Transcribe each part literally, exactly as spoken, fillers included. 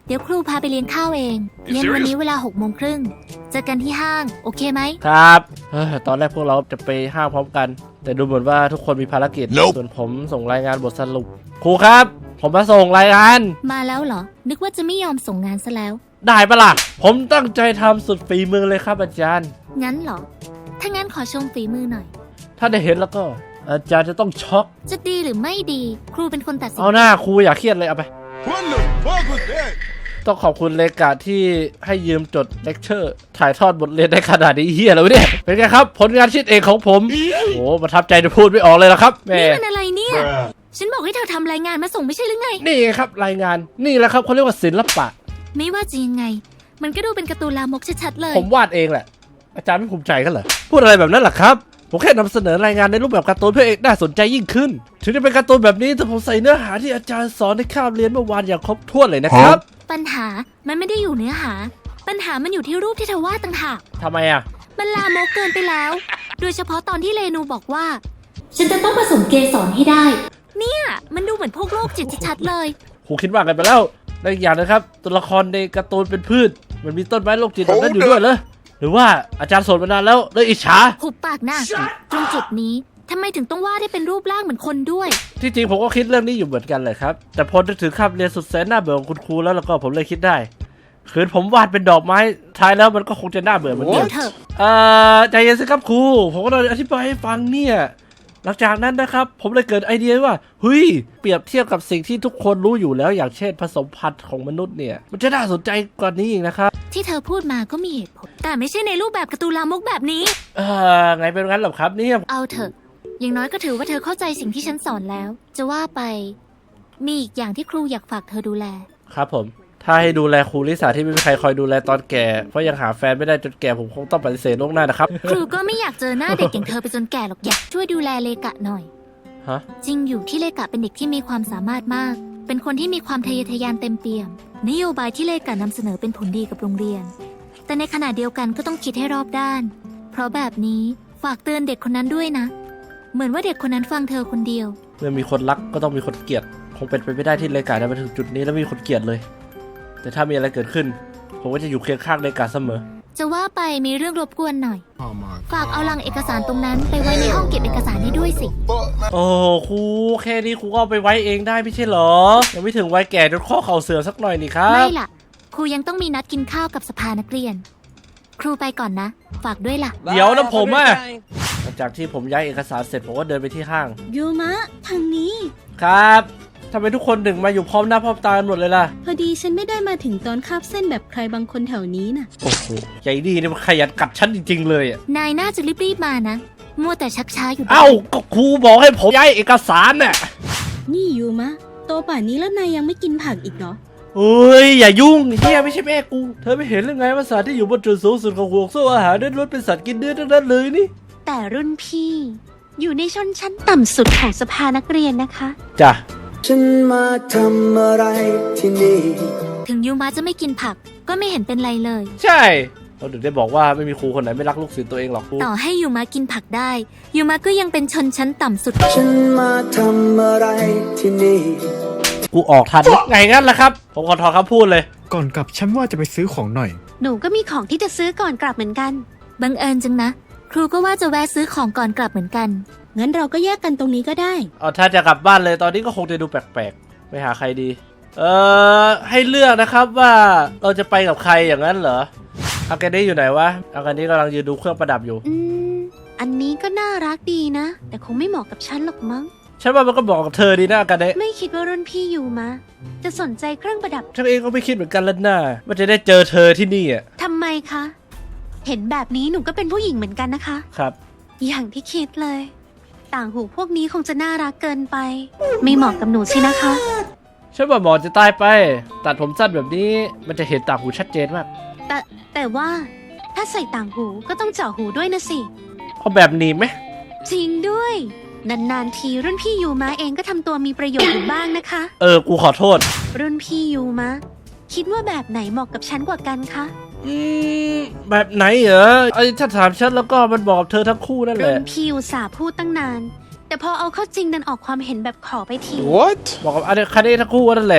เดี๋ยวครูพาไปเลี้ยงข้าวเองเย็นวันนี้เวลาหกโมงครึ่งเจอกันที่ห้างโอเคไหมครับเฮ้ยตอนแรกพวกเราจะไปห้างพร้อมกันแต่ดูเหมือนว่าทุกคนมีภารกิจ Nope. ส่วนผมส่งรายงานบทสรุปครูครับผมมาส่งรายงานมาแล้วเหรอนึกว่าจะไม่ยอมส่งงานซะแล้วได้ปะล่ะผมตั้งใจทำสุดฝีมือเลยครับอาจารย์งั้นเหรอถ้างั้นขอชมฝีมือหน่อยถ้าได้เห็นแล้วก็อาจารย์จะต้องช็อกจะดีหรือไม่ดีครูเป็นคนตัดสินเอาหน้าครูอย่าเครียดเลยเอาไป What the fuck was that? ต้องขอบคุณเลกาที่ให้ยืมจดเลคเชอร์ถ่ายทอดบทเรียนได้ขนาดนี้เฮียแล้วเนี่ยเป็นไงครับผลงานชิ้นเอกของผมโอ้ประทับใจจะพูดไม่ออกเลยละครับแม่นี่มันอะไรเนี่ยฉันบอกให้เธอทำรายงานมาส่งไม่ใช่หรือไงนี่ครับรายงานนี่แหละครับเขาเรียกว่าศิลปะไม่ว่าจะยังไงมันก็ดูเป็นการ์ตูนลามกชัดๆเลยผมวาดเองแหละอาจารย์ไม่ภูมิใจกันเหรอพูดอะไรแบบนั้นหรอครับผมแค่นำเสนอรายงานในรูปแบบการ์ตูนเพื่อเอกน่าสนใจยิ่งขึ้นถึงจะเป็นการ์ตูนแบบนี้แต่ผมใส่เนื้อหาที่อาจารย์สอนในคาบเรียนเมื่อวานอย่างครบถ้วนเลยนะครับปัญหามันไม่ได้อยู่เนื้อหาปัญหามันอยู่ที่รูปที่เธอวาดต่างหากทำไมอ่ะมันลามกเกินไปแล้วโดยเฉพาะตอนที่เรนูบอกว่าฉันจะต้องผสมเกสรให้ได้เนี่ยมันดูเหมือนพวกโรคจิตชัดๆเลยครูคิดว่ากันไปแล้วและอีกอย่างนะครับตัวละครในการ์ตูนเป็นพืชมันมีต้นไม้โรคจิตแบบนั้นอยู่ด้วยเหรอหรือว่าอาจารย์สอนมานานแล้วเลยอิจฉาหุบปากหน้าตรงจุดนี้ทำไมถึงต้องวาดให้เป็นรูปร่างเหมือนคนด้วยที่จริงผมก็คิดเรื่องนี้อยู่เหมือนกันเลยครับแต่พอนึกถึงคาบเรียนสุดแสนน่าเบื่อของคุณครูแล้วแล้วก็ผมเลยคิดได้คืนผมวาดเป็นดอกไม้ท้ายแล้วมันก็คงจะน่าเบื่อเหมือนกันเอ่อใจเย็นสิครับครูผมก็เลยอธิบายให้ฟังเนี่ยหลังจากนั้นนะครับผมเลยเกิดไอเดียว่าเฮ้ยเปรียบเทียบกับสิ่งที่ทุกคนรู้อยู่แล้วอย่างเช่นผสมพันธุ์ของมนุษย์เนี่ยมันจะน่าสนใจกว่านี้อีกนะครับที่เธอพูดมาก็มีเหตุผลแต่ไม่ใช่ในรูปแบบการ์ตูนลามกแบบนี้เออไงเป็นงั้นหรอครับเนี่ยเอาเถอะอย่างน้อยก็ถือว่าเธอเข้าใจสิ่งที่ฉันสอนแล้วจะว่าไปมีอีกอย่างที่ครูอยากฝากเธอดูแลครับผมถ้าให้ดูแลครูลิสาที่ไม่มีใครคอยดูแลตอนแก่เพราะยังหาแฟนไม่ได้จนแก่ผมคงต้องปฏิเสธล่วงหน้านะครับครูก็ไม่อยากเจอหน้าเด็กอย่างเธอไปจนแก่หรอกอยากช่วยดูแลเลกะหน่อยฮะจริงอยู่ที่เลกะเป็นเด็กที่มีความสามารถมากเป็นคนที่มีความทะเยอทะยานเต็มเปี่ยมนโยบายที่เลกะนำเสนอเป็นผลดีกับโรงเรียนแต่ในขณะเดียวกันก็ต้องคิดให้รอบด้านเพราะแบบนี้ฝากเตือนเด็กคนนั้นด้วยนะเหมือนว่าเด็กคนนั้นฟังเธอคนเดียวเมื่อมีคนรักก็ต้องมีคนเกลียดคงเป็นไปไม่ได้ที่เลกาจะมาถึงจุดนี้แล้วมีคนเกลียดเลยแต่ถ้ามีอะไรเกิดขึ้นผมก็จะอยู่เคียงข้างเลกาเสมอจะว่าไปมีเรื่องรบกวนหน่อย oh ฝากเอาลังเอกสารตรงนั้นไปไว้ในห้องเก็บเอกสารนี้ด้วยสิโอ้ครูแค่นี้ครูก็เอาไปไว้เองได้ไม่ใช่หรอยังไม่ถึงวัยแก่จนข้อเข่าเสื่อมสักหน่อยนี่ครับไม่ล่ะครูยังต้องมีนัดกินข้าวกับสภานักเรียนครูไปก่อนนะฝากด้วยล่ะเดี๋ยวนะผมอ่ะหลังจากที่ผมย้ายเอกสารเสร็จผมก็เดินไปที่ห้างยูมะทางนี้ครับทำไมทุกคนถึงมาอยู่พร้อมหน้าพร้อมตากันหมดเลยล่ะพอดีฉันไม่ได้มาถึงตอนคาบเส้นแบบใครบางคนแถวนี้น่ะโอ้โหใหญ่ดีนี่มันขยันกัดฉันจริงๆเลยอ่ะนายน่าจะรีบๆมานะมัวแต่ชักช้าอยู่เอ้าก็ครูบอกให้ผมย้ายเอกสารน่ะนี่ยูมะโตป่านนี้แล้วนายยังไม่กินผักอีกเหรอเฮ้ยอย่ายุ่งเฮียไม่ใช่แม่กูเธอไม่เห็นหรือไงว่าสัตว์ที่อยู่บนจุดสูงสุดของห่วงโซ่อาหารนั้นล้วนเป็นสัตว์กินเนื้อทั้งนั้นเลยนี่แต่รุ่นพี่อยู่ในชนชั้นต่ำสุดของสภานักเรียนนะคะจ้ะฉันมาทำอะไรที่นี่ถึงยูมะจะไม่กินผักก็ไม่เห็นเป็นไรเลยใช่เราถึงได้บอกว่าไม่มีครูคนไหนไม่รักลูกศิษย์ตัวเองหรอกครูต่อให้ยูมะกินผักได้ยูมะก็ยังเป็นชนชั้นต่ำสุดฉันมาทำอะไรที่นี่กูออกทันไงงั้นล่ะครับผมขอถอนคำพูดเลยก่อนกลับฉันว่าจะไปซื้อของหน่อยหนูก็มีของที่จะซื้อก่อนกลับเหมือนกันบังเอิญจังนะครูก็ว่าจะแวะซื้อของก่อนกลับเหมือนกันงั้นเราก็แยกกันตรงนี้ก็ได้เอาถ้าจะกลับบ้านเลยตอนนี้ก็คงจะดูแปลกๆไปหาใครดีเอ่อให้เลือกนะครับว่าเราจะไปกับใครอย่างนั้นเหรออากาเนะอยู่ไหนวะอากาเนะกำลังยืนดูเครื่องประดับอยู่อืมอันนี้ก็น่ารักดีนะแต่คงไม่เหมาะกับฉันหรอกมั้งฉันว่ามันก็เหมาะกับเธอดีนะอากาเนะไม่คิดว่ารุ่นพี่อยู่มาจะสนใจเครื่องประดับฉันเองก็ไม่คิดเหมือนกันแล้วนะว่าจะได้เจอเธอที่นี่อ่ะทำไมคะเห็นแบบนี้หนูก็เป็นผู้หญิงเหมือนกันนะคะครับอย่างที่คิดเลยต่างหูพวกนี้คงจะน่ารักเกินไปไม่เหมาะกับหนูสินะคะฉันว่าหมอจะตายไปตัดผมสั้นแบบนี้มันจะเห็นต่างหูชัดเจนมากแต่แต่ว่าถ้าใส่ต่างหูก็ต้องเจาะหูด้วยนะสิเอาแบบนี้ไหมจริงด้วยนานๆทีรุ่นพี่ยูมะเองก็ทำตัวมีประโยชน์อยู่บ้างนะคะเออกูขอโทษรุ่นพี่ยูมะคิดว่าแบบไหนเหมาะกับฉันกว่ากันคะอืมแบบไหนเหรอไอ้ถ้าถามฉันแล้วก็มันบอกกับเธอทั้งคู่นั่นแหละรุ่นพี่อุตส่าห์พูดตั้งนานแต่พอเอาเข้าจริงดันออกความเห็นแบบขอไปที What บอกกับอันนี้คันนี้ทั้งคู่นั่นแหละ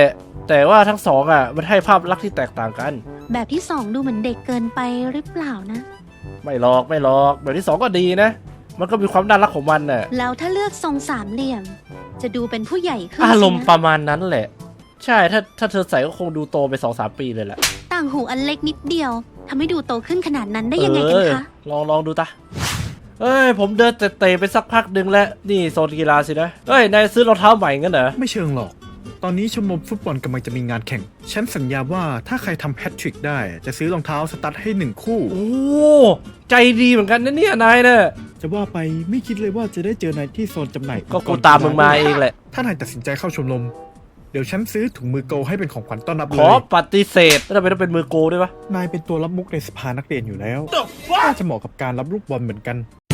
แต่ว่าทั้งสองอ่ะมันให้ภาพลักษณ์ที่แตกต่างกันแบบที่สองดูเหมือนเด็กเกินไปหรือเปล่านะไม่หรอกไม่หรอกแบบที่สองก็ดีนะ มันก็มีความน่ารักของมันน่ะแล้วถ้าเลือกทรงสามเหลี่ยม จะดูเป็นผู้ใหญ่ขึ้นอารมณ์สินะประมาณนั้นแหละ ใช่ถ้าถ้าเธอใส่ก็คงดูโตไปสองสามปีเลยแหละต่างหูอันเล็กนิดเดียวทำให้ดูโตขึ้นขนาดนั้นได้ยังไงกันคะเออลองลองดูตาเอ้ยผมเดินเตะๆไปสักพักหนึ่งแล้วนี่โซนกีฬาสินะเอ้ยนายซื้อรองเท้าใหม่งั้นเหรอไม่เชิงหรอก ตอนนี้ชมรมฟุตบอลกำลังจะมีงานแข่ง ฉันสัญญาว่าถ้าใครทำแฮตทริกได้ จะซื้อรองเท้าสตั๊ดให้หนึ่งคู่โอ้ใจดีเหมือนกันนะเนี่ยนายเนี่ยจะว่าไปไม่คิดเลยว่าจะได้เจอนายที่โซนจำหน่ายก็กูตามมึงมาเองแหละถ้านายตัดสินใจเข้าชมรม เดี๋ยวฉันซื้อถุงมือโกลให้เป็นของขวัญต้อนรับขเลอย ปฏิเสธแล้วทำไมต้องเป็นมือโกด้วยวะนายเป็นตัวรับมุกในสภานักเรียนอยู่แล้วน่าจะเหมาะกับการรับลูกบอลเหมือนกัน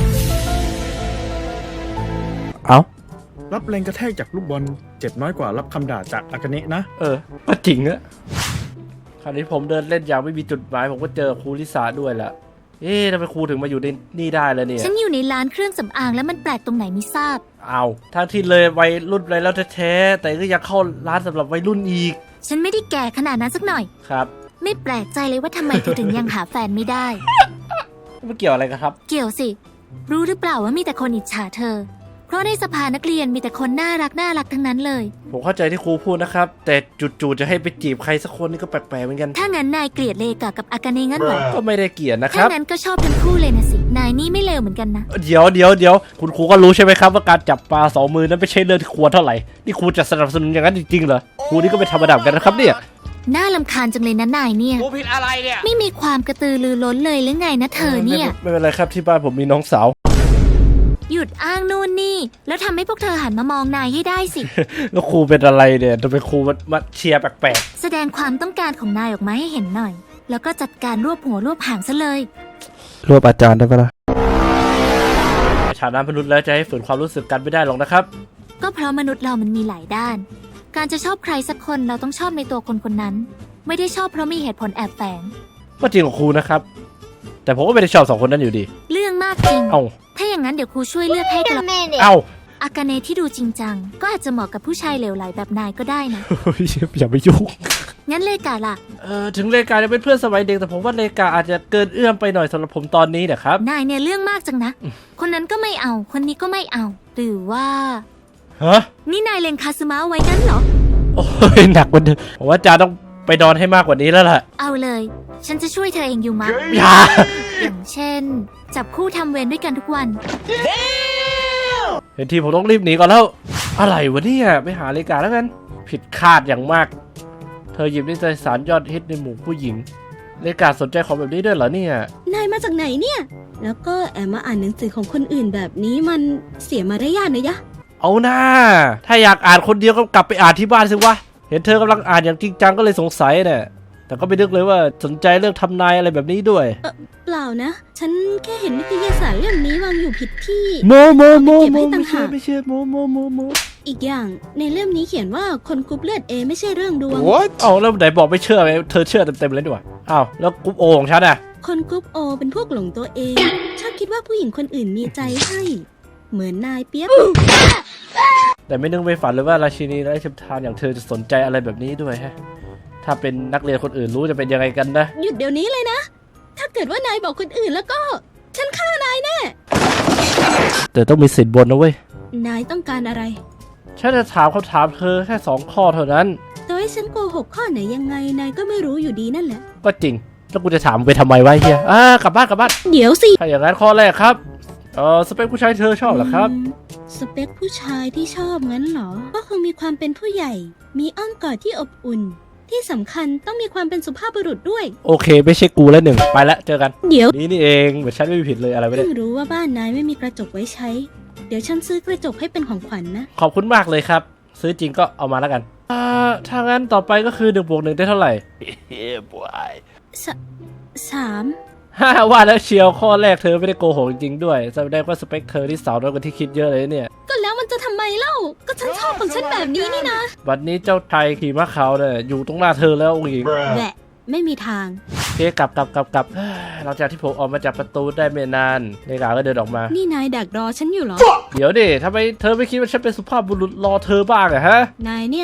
เอ้ารับแรงกระแทกจากลูกบอลเจ็บน้อยกว่ารับคำด่าจากอากาเนะนะเออก็จริงอะคราวนี้ผมเดินเล่นอย่างไม่มีจุดหมายผมก็เจอครูลิสาด้วยละเอ๊ะทำไมครูถึงมาอยู่ในนี่ได้แล้วเนี่ยฉันอยู่ในร้านเครื่องสำอางแล้วมันแปลกตรงไหนไม่ทราบเอาทั้งที่เลยวัยรุ่นไปแล้วแท้ๆแต่ก็ยังเข้าร้านสำหรับวัยรุ่นอีกฉันไม่ได้แก่ขนาดนั้นสักหน่อยครับไม่แปลกใจเลยว่าทำไมเธอถึงยังหาแฟนไม่ได้มันเกี่ยวอะไรกันครับเกี่ยวสิ รู้หรือเปล่าว่ามีแต่คนอิจฉาเธอ เพราะในสภานักเรียนมีแต่คนน่ารักน่ารักทั้งนั้นเลยผมเข้าใจที่ครูพูดนะครับ แต่จู่ๆจะให้ไปจีบใครสักคนนี่ก็แปลกๆเหมือนกันถ้างั้นนายเกลียดเลกากับอากาเนะงั้นเหรอก็ไม่ได้เกลียดนะคถ้ารับงั้นก็ชอบทั้งคู่เลยนะสิ นายนี่ไม่เลวเหมือนกันนะเดี๋ยวเดี๋ยวเดี๋ยวคุณครูก็รู้ใช่ไหมครับว่าการจับปลาสองมือนั้นไม่ใช่เรื่องที่ควรเท่าไหร่นี่ครูจะสนับสนุนอย่างนั้นจริงๆเหรอครูนี่ก็เป็นธรรมดาเหมือนกันนะครับเนี่ยน่ารำคาญจังเลยนะนายเนี่ยครูผิดอะไรเนี่ยไม่มีความกระตือรือร้นเลยหรือไงนะเธอเนี่ยไม่เป็นไรครับที่บ้านผมมีน้องสาวหยุดอ้างนู่นนี่ แล้วทำให้พวกเธอหันมามองนายให้ได้สิแล้วครูเป็นอะไรเนี่ยทำไมครูมามาเชียร์แปลกแสดงความต้องการของนายออกมาให้เห็นหน่อย แล้วก็จัดการรวบหัวรวบหางซะเลยๆรวบอาจารย์ได้ปะล่ะในฐานะมนุษย์แล้วจะให้ฝืนความรู้สึกกันไม่ได้หรอกนะครับก็เพราะมนุษย์เรามันมีหลายด้าน การจะชอบใครสักคนเราต้องชอบในตัวคนคนนั้น ไม่ได้ชอบเพราะมีเหตุผลแอบแฝงก็จริงของครูนะครับ แต่ผมก็ไม่ได้ชอบสองคนนั้นอยู่ดีเรื่องมากจริงเอ้าถ้าอย่างนั้นเดี๋ยวครูช่วยเลือกให้ก็แล้วเอ้าอากาเนะที่ดูจริงจัง ก็อาจจะเหมาะกับผู้ชายเหลวไหลแบบนายก็ได้นะอย่าไปยุ่งงั้นเลกาล่ะเออถึงเลกาจะเป็นเพื่อนสมัยเด็กแต่ผมว่าเลกาอาจจะเกินเอื้อมไปหน่อยสำหรับผมตอนนี้นะครับนายเนี่ยเรื่องมากจังนะ คนนั้นก็ไม่เอา คนนี้ก็ไม่เอา หรือว่าฮะนี่นายเลงคาซึมะไว้งั้นเหรอโอ้ยหนักกว่าเดิมผมว่าอาจารย์ต้องไปนอนให้มากกว่านี้แล้วล่ะเอาเลย ฉันจะช่วยเธอเองยูมะอย่าอย่างเช่น จับคู่ทำเวรด้วยกันทุกวันเห็นทีผมต้องรีบหนีก่อนแล้ว อะไรวะเนี่ยไปหาเลกาแล้วกัน ผิดคาดอย่างมาก เธอหยิบนิตยสารยอดฮิตในหมู่ผู้หญิง เลกาสนใจของแบบนี้ด้วยเหรอเนี่ยนายมาจากไหนเนี่ย แล้วก็แอบมาอ่านหนังสือของคนอื่นแบบนี้มันเสียมารยาทนะยะเอาหน้า ถ้าอยากอ่านคนเดียวก็กลับไปอ่านที่บ้านสิวะ เห็นเธอกำลังอ่านอย่างจริงจังก็เลยสงสัยเนี่ยแต่ก็ไม่นึกเลยว่าสนใจเรื่องทำนายอะไรแบบนี้ด้วยเปล่านะ ฉันแค่เห็นนิตยสารเล่มนี้วางอยู่ผิดที่โมโมโมเก็บโมไว้ต่าไม่งเชื่อหากไม่เชื่อโมโมโมโมอีกอย่างในเล่มนี้เขียนว่าคนกรุ๊ปเลือดเอไม่ใช่เรื่องดวงเอาแล้วไหนบอกไม่เชื่อไงเธอเชื่อเต็มๆเลยดีกว่าอ้าวแล้วกรุ๊ปโอของฉันอะคนกรุ๊ปโอเป็นพวกหลงตัวเอง ชอบคิดว่าผู้หญิงคนอื่นมีใจให้ เหมือนนายเปียบแต่ไม่นึกไม่ฝันเลยว่าราชินีไร้ชิมทานอย่างเธอจะสนใจอะไรแบบนี้ด้วยฮะถ้าเป็นนักเรียนคนอื่นรู้จะเป็นยังไงกันนะหยุดเดี๋ยวนี้เลยนะ ถ้าเกิดว่านายบอกคนอื่นแล้วก็ ฉันฆ่านายแน่แต่ต้องมีสิทธิ์บนนะเว้ยนายต้องการอะไรฉันจะถามคำถามเธอแค่สองข้อเท่านั้นแต่ให้ฉันโกหกข้อไหนยังไงนายก็ไม่รู้อยู่ดีนั่นแหละก็จริงแล้วกูจะถามไปทำไมวะไอ้เฮียอ่ากลับบ้านกลับบ้านเดี๋ยวสิถ้าอย่างนั้นข้อแรกครับเออสเปคผู้ชายเธอชอบเหรอครับอืมสเปคผู้ชายที่ชอบงั้นเหรอ ก็คงมีความเป็นผู้ใหญ่ มีอ้อมกอดที่อบอุ่น ที่สำคัญต้องมีความเป็นสุภาพบุรุษด้วยโอเคไม่ใช่กูแล้วหนึ่งไปแล้วเจอกันเดี๋ยวนี่นี่เองเหมือนฉันไม่มีผิดเลยอะไรไม่ได้เพิ่งรู้ว่าบ้านนายไม่มีกระจกไว้ใช้ เดี๋ยวฉันซื้อกระจกให้เป็นของขวัญนะขอบคุณมากเลยครับ ซื้อจริงก็เอามาแล้วกันอ่าถ้างั้นต่อไปก็คือหนึ่งบวกหนึ่งได้เท่าไหร่สสามฮ่าว่าแล้วเชียวข้อแรกเธอไม่ได้โกหกจริงๆด้วยแสดงว่าสเปคเธอที่สาวน้อยกว่าที่คิดเยอะเลยเนี่ยก็แล้วมันจะทำไมเล่า ก็ฉันชอบของฉันแบบนี้นี่นะวันนี้เจ้าชายขี่ม้าขาวเนี่ยอยู่ตรงหน้าเธอแล้วองค์หญิงแหละไม่มีทางโอเคกลับกลับกลับกลับเฮ้ยหลังจากที่ผมออกมาจากประตูได้ไม่นานเลขาก็เดินออกมานี่นายดักรอฉันอยู่เหรอเดี๋ยวดิทำไมเธอไม่คิดว่าฉันเป็นสุภาพบุรุษรอเธอบ้างอะฮะนายเนี่ยนะ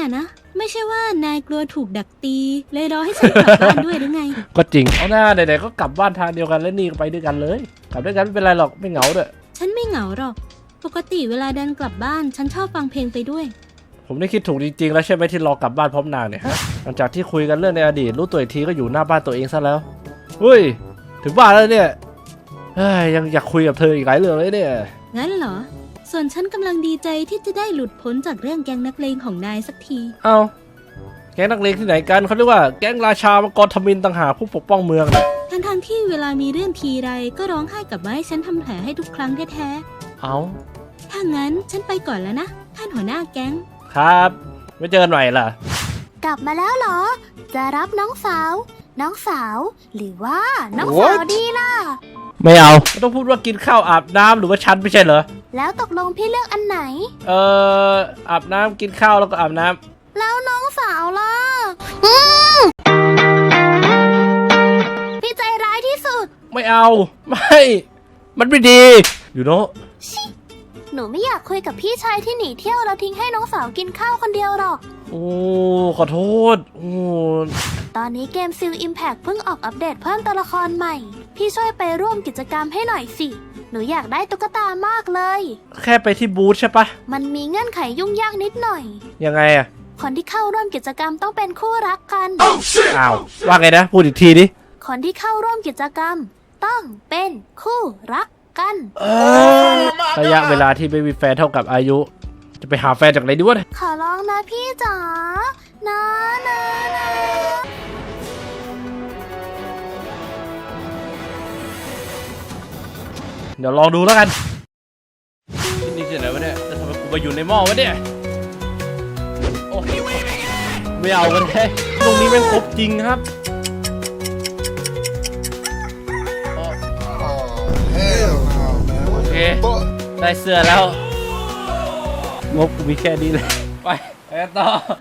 ไม่ใช่ว่านายกลัวถูกดักตี เลยรอให้ฉันกลับบ้านด้วยหรือไงก็จริงเอาหน้าไหนๆก็กลับบ้านทางเดียวกันแล้วนี่ก็ไปด้วยกันเลยกลับด้วยกันไม่เป็นไรหรอกไม่เหงาด้วยฉันไม่เหงาหรอก ปกติเวลาเดินกลับบ้าน ฉันชอบฟังเพลงไปด้วยผมได้คิดถูกจริงๆแล้วใช่ไหมที่รอกลับบ้านพร้อมนางเนี่ยฮะหลังจากที่คุยกันเรื่องในอดีตรู้ตัวอีกทีก็อยู่หน้าบ้านตัวเองซะแล้วเฮ้ยถึงบ้านแล้วเนี่ยเฮ้ยยังอยากคุยกับเธออีกหลายเรื่องเลยเนี่ยงั้นเหรอ ส่วนฉันกำลังดีใจที่จะได้หลุดพ้นจากเรื่องแก๊งนักเลงของนายสักทีเอาแก๊งนักเลงที่ไหนกันเขาเรียกว่าแก๊งราชามังกรทมิฬต่างหากผู้ปกป้องเมืองนะทั้งทงๆที่เวลามีเรื่องทีไรก็ร้องไห้กลับมาให้ฉันทำแผลให้ทุกครั้งแท้เอาๆ ถ้างั้นฉันไปก่อนแล้วนะ ท่านหัวหน้าแก๊งครับไม่เจอกันใหม่ล่ะกลับมาแล้วเหรอ จะรับน้องสาว น้องสาว หรือว่าน้องสาว What? ดีล่ะไม่เอาไม่ต้องพูดว่ากินข้าวอาบน้ำหรือว่าฉันไม่ใช่เหรอแล้วตกลงพี่เลือกอันไหนเอ่ออาบน้ำกินข้าวแล้วก็อาบน้ำแล้วน้องสาวล่ะอืมพี่ใจร้ายที่สุดไม่เอาไม่มันไม่ดีอยู่เนาะหนูไม่อยากคุยกับพี่ชายที่หนีเที่ยวแล้วทิ้งให้น้องสาวกินข้าวคนเดียวหรอกโอ้ขอโทษโอ้ตอนนี้เกมซิลอิมแพ t เพิ่งออกอัปเดตเพิ่มตัวละครใหม่ พี่ช่วยไปร่วมกิจกรรมให้หน่อยสิ หนูอยากได้ตุ๊กตามากเลยแค่ไปที่บูธใช่ปะมันมีเงื่อนไขยุ่งยากนิดหน่อยยังไงอะคนที่เข้าร่วมกิจกรรมต้องเป็นคู่รักกันอ้าวว่าไงนะพูดอีกทีดิคนที่เข้าร่วมกิจกรรม ต้องเป็นคู่รักกันระยะเวลาที่ไม่มีแฟนเท่ากับอายุ จะไปหาแฟนจากไหนดีวะเนี่ยขอร้องนะพี่จ๋านะนะนะเดี๋ยวลองดูแล้วกันที่นี่ที่ไหนวะเนี่ยจะทำไมกูมาอยู่ในหม้อวะเนี่ยโอ้ไม่เอากันเลยตรงนี้แม่งครบจริงครับโอเคได้เสื้อแล้วงบกูมีแค่นี้เลยไปไปกันต่อ